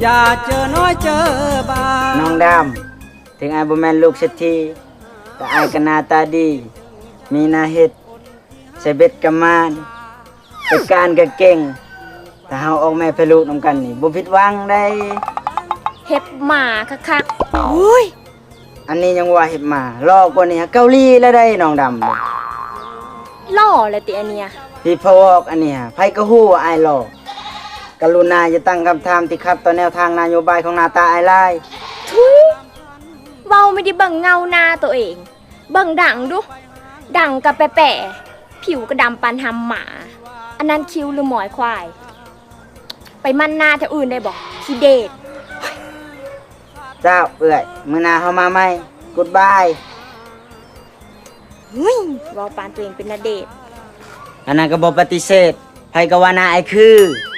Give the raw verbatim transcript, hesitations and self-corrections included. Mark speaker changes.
Speaker 1: อย่าเจอน้อยเจอบา
Speaker 2: น้องดำถึงอายบ่แม่นลูกเศรษฐีแต่อายก็หน้าตาดีมีหน้าเฮ็ดใส่เบ็ดกะมานไปการก็เก่งถ้าเฮาออกแม่ไปลูกนำกันนี่บ่ผิดหวังได้
Speaker 3: เฮ็บหมาคักๆอุ้ย
Speaker 2: อันนี้ยังว่าเฮ็ดมาลอกกว่านี้เกาหลีแล้วได้น้องดำ
Speaker 3: ล่อเลยติอันเนี้ย
Speaker 2: พี่พอกอันเนี้ยไผก็ฮู้ว่าอายหลอกกรุณาอย่าตั้งคำถามที่ขัดต่อแนวทางนโยบายของหน้าตาอายหลาย
Speaker 3: ทุยเว้าไม่ได้เบิ่งเงาหน้าตัวเองเบิ่งดังดูดังกับแปะๆผิวก็ดำปานหำหมา อันนั้นคิ้วหรือหมอยควาย ไปมั่นหน้าแถวอื่นได้บ่ขี้เดช
Speaker 2: เจ้าเอื้อยมื้อหน้าเฮามาใหม่ Goodbye
Speaker 3: เฮ้ยเว้าปานตัวเองเป็นณเดชน์
Speaker 2: อันนั้นก็บ่ปฏิเสธไผก็ว่าหน้าอายคือ